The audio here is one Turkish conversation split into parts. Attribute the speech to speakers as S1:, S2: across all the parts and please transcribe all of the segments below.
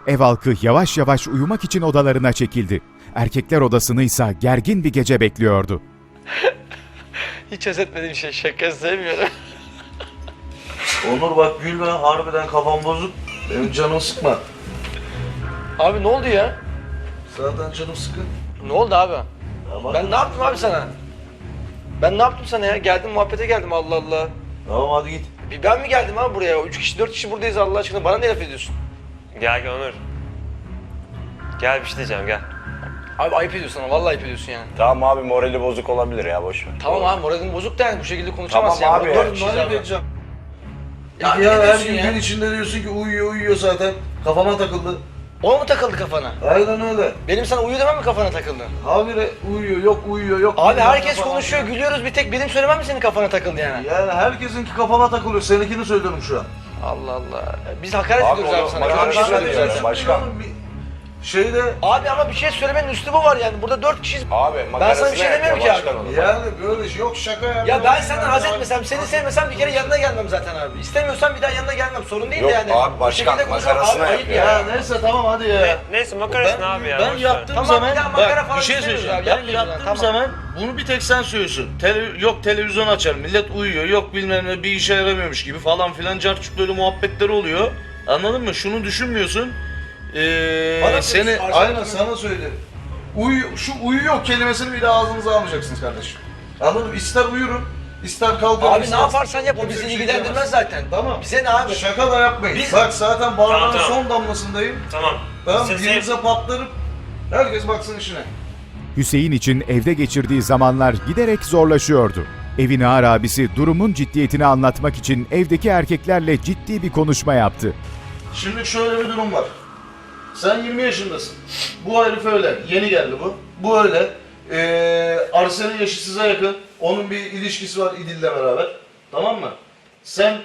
S1: Ev halkı yavaş yavaş uyumak için odalarına çekildi. Erkekler odasını ise gergin bir gece bekliyordu.
S2: Hiç özetmediğim şey, şaka sevmiyorum.
S3: Onur bak gülme, harbiden kafam bozuk. Benim canım sıkma.
S2: Abi ne oldu ya?
S3: Zaten canım sıkın.
S2: Ne oldu abi?
S3: Tamam.
S2: Ben ne yaptım abi sana? Ben ne yaptım sana ya? Geldim muhabbete geldim, Allah Allah.
S3: Tamam hadi git.
S2: Bir ben mi geldim abi buraya? 3 kişi 4 kişi buradayız Allah aşkına. Bana ne laf ediyorsun?
S4: Gel Onur. Gel bir şey diyeceğim gel.
S2: Abi ayıp ediyorsun ama vallahi ayıp ediyorsun yani.
S5: Tamam abi morali bozuk olabilir ya boş ver.
S2: Tamam abi moralin bozuk da yani bu şekilde konuşamazsın
S5: Tamam
S2: yani.
S5: abi
S2: Burada
S5: ya.
S2: dört kişiyiz
S3: Ne
S2: abi.
S3: edeceğim?
S2: Ya
S3: Ya,
S2: ne
S3: her
S2: diyorsun
S3: gün
S2: ya?
S3: gün içinde diyorsun ki uyuyor zaten. Kafama takıldı.
S2: O mu takıldı kafana?
S3: Aynen öyle.
S2: Benim sana uyu demem mi kafana takıldı?
S3: Habire uyuyor yok.
S2: Abi
S3: bilmem
S2: herkes
S3: ne falan.
S2: konuşuyor, gülüyoruz, bir tek benim söylemem mi senin kafana takıldı yani?
S3: Yani herkesinki kafama takılıyor. Seninkini söylüyorum şu an.
S2: Allah Allah. Biz hakaret
S5: Abi
S2: ediyoruz abi
S5: onu
S2: sana.
S5: bana
S2: Böyle bir şey
S5: hakaret
S2: söylüyoruz
S5: ediyoruz.
S2: zaten.
S5: Başkan.
S3: Şeyde
S2: Abi ama bir şey söylemenin üslubu var yani. Burada 4 kişiyiz.
S5: Abi
S2: Ben sana bir şey demiyorum ki abi.
S3: yani böyle şey yok şaka ya.
S2: Ya ben senden haz etmesem, seni sevmesem bir kere yanına gelmem zaten abi. İstemiyorsan bir daha yanına gelmem. Sorun değil de
S5: Yok
S2: yani.
S5: abi,
S2: Bu
S5: başkan,
S2: şekilde konuşmak
S5: makarasına
S2: ayıp
S5: yapıyor.
S3: Ya neyse tamam hadi ya.
S4: Neyse makarasın abi ya.
S3: Ben
S4: boş ver.
S3: yaptığım
S2: Tamam,
S3: zaman
S2: bir daha makara
S3: bak
S2: falan
S3: bir şey
S2: istemiyoruz
S3: söyleyeceğim.
S2: abi,
S3: Ben
S2: yapmayalım
S3: yaptığım
S2: yani, tamam.
S3: zaman bunu bir tek sen söylüyorsun. Yok televizyon açar millet uyuyor. Yok bilmem ne bir işe yaramıyormuş gibi falan filan carçuk böyle muhabbetleri oluyor. Anladın mı? Şunu düşünmüyorsun.
S2: Bana
S3: Seni
S2: diyorsun,
S3: aynen
S2: Arsen-
S3: sana söylerim. Şu uyuyor kelimesini bile ağzınıza almayacaksınız kardeşim. Anladın mı? İster uyurum, ister kalkarım.
S2: Abi ne
S3: ister-
S2: yaparsan yap o
S3: Kimse
S2: bizi
S3: bir şey
S2: ilgilendirmez
S3: diyemez.
S2: zaten.
S3: Tamam.
S2: Bize ne abi?
S3: Şaka da yapmayın.
S2: Biz-
S3: Bak zaten bardağın
S4: Tamam.
S3: son damlasındayım.
S4: Tamam.
S3: Tamam
S4: Siz-
S3: birinize patlarım. Herkes baksın işine.
S1: Hüseyin için evde geçirdiği zamanlar giderek zorlaşıyordu. Evin ağır abisi durumun ciddiyetini anlatmak için evdeki erkeklerle ciddi bir konuşma yaptı.
S3: Şimdi şöyle bir durum var. Sen 20 yaşındasın. Bu herif öyle. Yeni geldi bu. Bu öyle. Arsen'in yaşı size yakın. Onun bir ilişkisi var İdil'le beraber. Tamam mı? Sen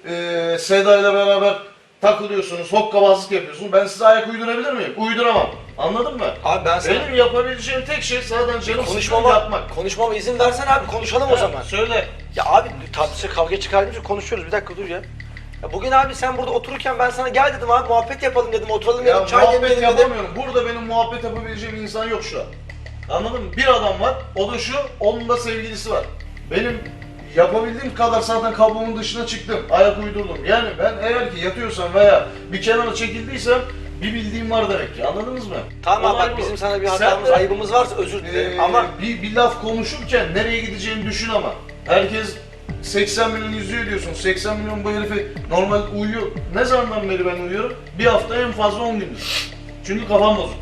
S3: Seda ile beraber takılıyorsunuz, hokkabazlık yapıyorsun. Ben size ayak uydurabilir miyim? Uyduramam. Anladın mı?
S2: Abi ben sana
S3: Benim yapabileceğim tek şey zaten canım sıkıntı yapmak.
S2: konuşmama izin versen abi konuşalım o zaman.
S3: Söyle.
S2: Ya abi tartışa kavga çıkardığımız konuşuyoruz, bir dakika dur ya. Ya bugün abi sen burada otururken ben sana gel dedim abi muhabbet yapalım dedim, oturalım
S3: Ya
S2: dedim, çay
S3: muhabbet
S2: demleyelim dedim.
S3: yapamıyorum. Burada benim muhabbet yapabileceğim insan yok şu an. Anladın mı? Bir adam var. O da şu. Onun da sevgilisi var. Benim yapabildiğim kadar zaten kabuğumun dışına çıktım. Ayak uydurdum. Yani ben eğer ki yatıyorsam veya bir kenara çekildiysem bir bildiğim var demek ki. Anladınız mı?
S2: Tamam
S3: Olay
S2: bak
S3: bu.
S2: bizim sana bir
S3: Sen
S2: hatamız,
S3: de,
S2: ayıbımız varsa özür dilerim ama
S3: bir laf konuşurken nereye gideceğini düşün ama. Herkes 80 milyon izliyor diyorsun. 80 milyon bu herifi normal uyuyor. Ne zamandan beri ben uyuyorum? Bir hafta en fazla 10 gündür. Çünkü kafam bozuk.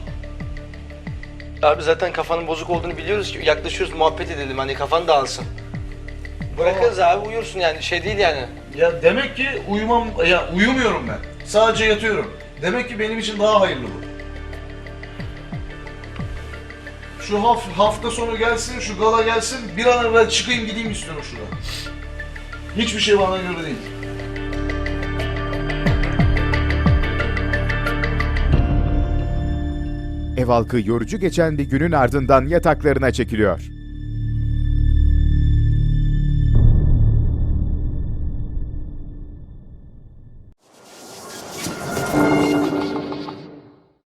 S2: abi zaten kafanın bozuk olduğunu biliyoruz ki yaklaşıyoruz muhabbet edelim hani kafan dağılsın. Bırakırız abi uyursun yani şey değil yani.
S3: Ya demek ki uyumuyorum ben. Sadece yatıyorum. Demek ki benim için daha hayırlı bu. Şu hafta sonu gelsin, şu gala gelsin, bir an evvel çıkayım gideyim istiyorum şuradan. Hiçbir şey bana göre değil.
S1: Ev halkı yorucu geçen bir günün ardından yataklarına çekiliyor.